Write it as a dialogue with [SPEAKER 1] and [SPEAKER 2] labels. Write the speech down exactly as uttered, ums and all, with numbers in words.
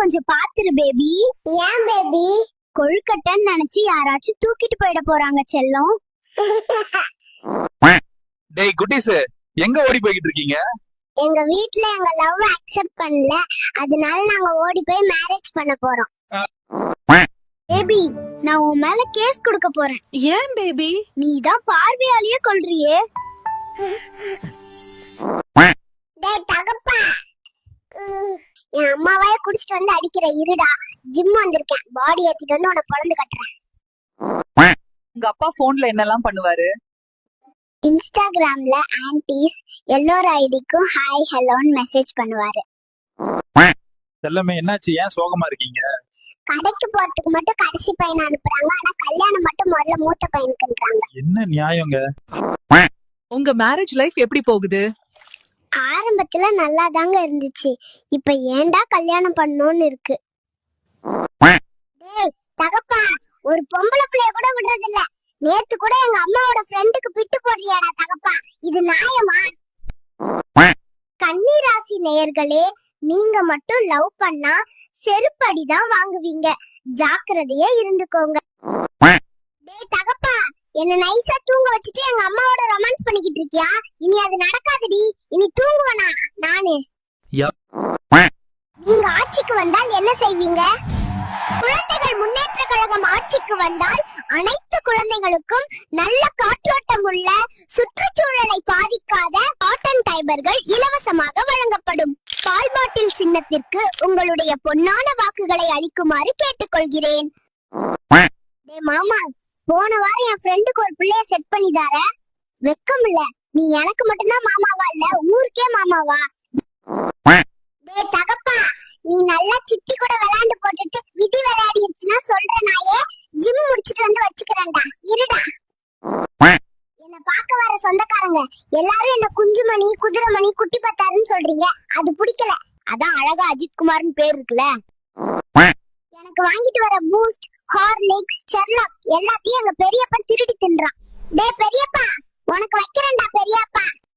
[SPEAKER 1] கொஞ்சம் பாத்துரு பேபி.
[SPEAKER 2] ஏன் பேபி?
[SPEAKER 1] கொழுக்கட்டைன்னு நினைச்சு யாராச்சும் தூக்கிட்டு போயிட போறாங்க செல்லம்.
[SPEAKER 3] டேய் குட்டீஸ், எங்க ஓடி போய்கிட்டு இருக்கீங்க?
[SPEAKER 2] எங்க வீட்ல எங்க லவ் அக்செப்ட் பண்ணல, அதனால நாங்க ஓடி போய் மேரேஜ் பண்ண போறோம்.
[SPEAKER 1] பேபி, நான் உன் மேல கேஸ் கொடுக்க போறேன்.
[SPEAKER 4] ஏன் பேபி?
[SPEAKER 1] நீ தான் பார்வையாலேயே கொல்றியே.
[SPEAKER 2] டேய் தகப்பா, என் அம்மாவே குடிச்சிட்டு வந்து அடிக்கிற இருடா. ஜிம் வந்திருக்கேன், பாடி ஏத்திட்டு வந்து உன்னை பொளந்து கட்டுறேன்.
[SPEAKER 4] உங்க அப்பா போன்ல என்னெல்லாம் பண்ணுவாரு?
[SPEAKER 2] இன்ஸ்டாகிராம்ல ஆன்டிஸ் எல்லோர் ஐடிக்கும் ஹாய் ஹலோன்னு மெசேஜ் பண்ணுவாரு.
[SPEAKER 3] செல்லமே, என்னாச்சு? ஏன் சோகமா இருக்கீங்க?
[SPEAKER 2] கடைக்கு போறதுக்கு மட்டும் கடைசி பையனை அனுப்புறாங்க, ஆனா கல்யாணம் மட்டும் முதல்ல மூத்த பையனுக்குன்றாங்க.
[SPEAKER 3] என்ன நியாயங்க?
[SPEAKER 4] உங்க மேரேஜ் லைஃப் எப்படி போகுது?
[SPEAKER 2] ஆரம்பத்துல நல்லா தாங்க இருந்துச்சு, இப்ப ஏன்டா கல்யாணம் பண்ணணும்னு இருக்கு. டேய் தகப்பா, ஒரு பொம்பளை பிள்ளைய கூட விடுறது இல்ல. நேத்து கூட எங்க அம்மாவோட ஃப்ரெண்டுக்கு பிட்டு போடுறியாடா தகப்பா, இது நியாயமா? கன்னி ராசி நேயர்களே, நீங்க மட்டும் லவ் பண்ணா செருப்படிதான் வாங்குவீங்க, ஜாக்கிரதையா இருந்துக்கோங்க. டேய் தகப்பா, என்ன நைஸா தூங்க வச்சுட்டு எங்க அம்மாவோட ரொமான்ஸ் பண்ணிக்கிட்டு இருக்கியா? இனி அது நடக்காதடி, இனி தூங்குவனா நானு. நீங்க ஆட்சிக்கு வந்தால் என்ன செய்வீங்க? குழந்தைகள் முன்னேற்ற கழகம் ஆட்சிக்கு வந்தால் அனைத்து குழந்தைகளுக்கும் நல்ல காற்றோட்டம் உள்ள, சுற்றுச்சூழலை பாதிக்காத காட்டன் டைபர்கள் இலவசமாக வழங்கப்படும். பால் பாட்டில் சின்னத்திற்கு உங்களுடைய பொன்னான வாக்குகளை அளிக்குமாறு கேட்டுக்கொள்கிறேன். டேய் மாமா, போன வாரம் என் ஃப்ரெண்டுக்கு ஒரு பிள்ளைய செட் பண்ணி தார. வெக்கம் இல்ல, நீ எனக்கு மட்டும்தான் மாமாவா இல்ல ஊருக்கே மாமாவா? டேய் தகப்பா, நீ நல்லா சித்தி கூட விளையாண்டு போட்டுட்டு விதி விளையாடிடுச்சுன்னா சொல்ற நாயே, ஜிம் முடிச்சிட்டு வந்து வச்சுக்கிறேன்டா, இருடா. என்ன பார்க்க வர சொந்தக்காரங்க எல்லாரும் என்ன குஞ்சுமணி, குதிரைமணி, குட்டி பத்தாருன்னு சொல்றீங்க, அது பிடிக்கல. அதான் அழகா அஜித் குமார்னு பேர் இருக்குல்ல. எனக்கு வாங்கிட்டு வர பூஸ்ட், ஹார்லிக்ஸ், செர்லாக் எல்லாத்தையும் எங்க பெரியப்பா திருடி தின்றான். டேய் பெரியப்பா, உனக்கு வைக்கிறேன்டா பெரியப்பா.